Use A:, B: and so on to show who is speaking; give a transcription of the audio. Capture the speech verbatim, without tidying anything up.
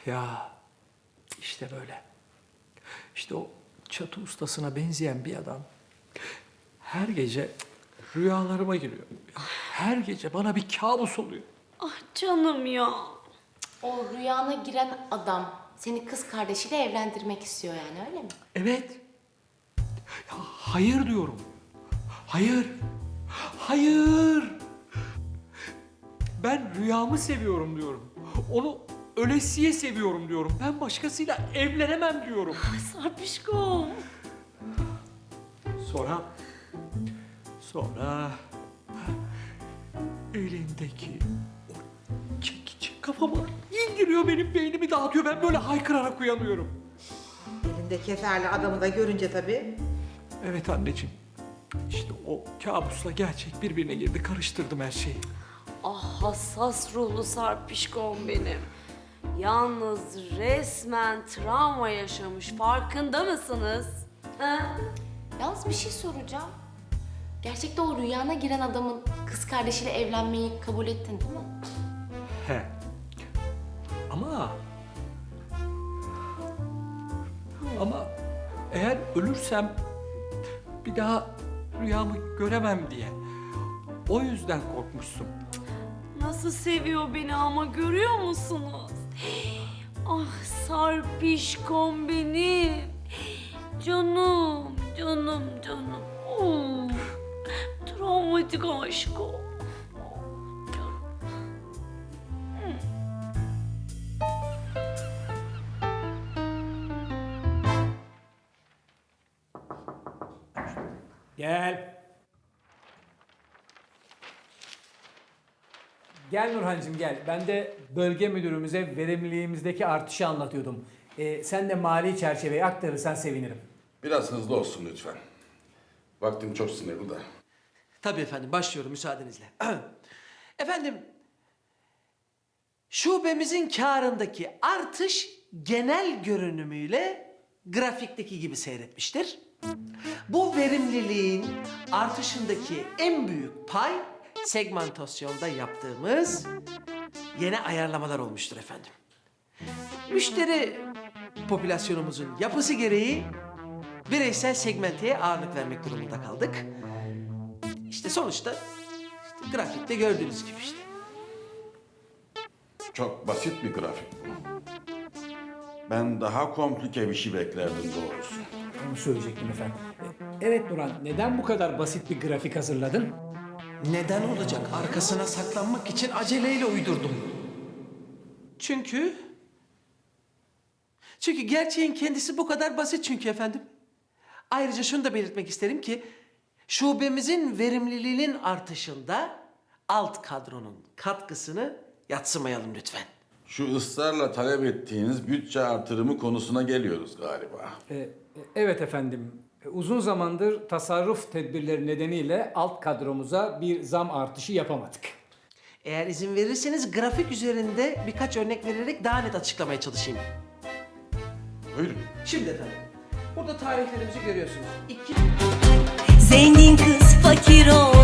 A: Ya işte böyle. İşte o çatı ustasına benzeyen bir adam her gece rüyalarıma giriyor. Her gece bana bir kabus oluyor.
B: Ah canım ya.
C: O rüyana giren adam seni kız kardeşiyle evlendirmek istiyor yani, öyle mi?
A: Evet. Ya hayır diyorum. Hayır. Hayır. Ben rüyamı seviyorum diyorum. Onu ölesiye seviyorum diyorum. Ben başkasıyla evlenemem diyorum.
B: Sarpişkom.
A: Sonra... Sonra... Elindeki o çekici kafama indiriyor, benim beynimi dağıtıyor. Ben böyle haykırarak uyanıyorum.
D: Elinde keferli adamı da görünce tabii.
A: Evet anneciğim. İşte o kabusla gerçek birbirine girdi. Karıştırdım her şeyi.
B: Ah hassas ruhlu Sarpişkom benim. Yalnız resmen travma yaşamış. Farkında mısınız? Ha?
C: Yalnız bir şey soracağım. Gerçekte o rüyana giren adamın kız kardeşiyle evlenmeyi kabul ettin değil mi?
A: He. Ama... Ama eğer ölürsem bir daha rüyamı göremem diye. O yüzden korkmuşsun.
B: Nasıl seviyor beni ama görüyor musunuz? Ah Sarpişkom benim. Canım, canım, canım. Oh, travmatik aşk o.
E: Gel. Gel Nurhancığım gel. Ben de bölge müdürümüze verimliliğimizdeki artışı anlatıyordum. Ee, sen de mali çerçeveyi aktarırsan sevinirim.
F: Biraz hızlı olsun lütfen. Vaktim çok sınırlı da.
G: Tabii efendim, başlıyorum müsaadenizle. Efendim, şubemizin karındaki artış genel görünümüyle grafikteki gibi seyretmiştir. Bu verimliliğin artışındaki en büyük pay segmentasyonda yaptığımız yeni ayarlamalar olmuştur efendim. Müşteri popülasyonumuzun yapısı gereği bireysel segmenteye ağırlık vermek durumunda kaldık. İşte sonuçta işte grafikte gördüğünüz gibi işte.
F: Çok basit bir grafik bu. Ben daha komplike bir şey beklerdim doğrusu.
E: Onu söyleyecektim efendim. Ee, Evet Nurhan, neden bu kadar basit bir grafik hazırladın?
G: Neden olacak? Arkasına saklanmak için aceleyle uydurdum. Çünkü... Çünkü gerçeğin kendisi bu kadar basit çünkü efendim. Ayrıca şunu da belirtmek isterim ki... Şubemizin verimliliğinin artışında alt kadronun katkısını yadsımayalım lütfen.
F: Şu ısrarla talep ettiğiniz bütçe artırımı konusuna geliyoruz galiba.
E: Ee, evet efendim. Ee, Uzun zamandır tasarruf tedbirleri nedeniyle alt kadromuza bir zam artışı yapamadık.
G: Eğer izin verirseniz grafik üzerinde birkaç örnek vererek daha net açıklamaya çalışayım.
F: Buyurun.
G: Şimdi efendim, burada tarihlerimizi görüyorsunuz. İki...
H: Zengin kız fakir ol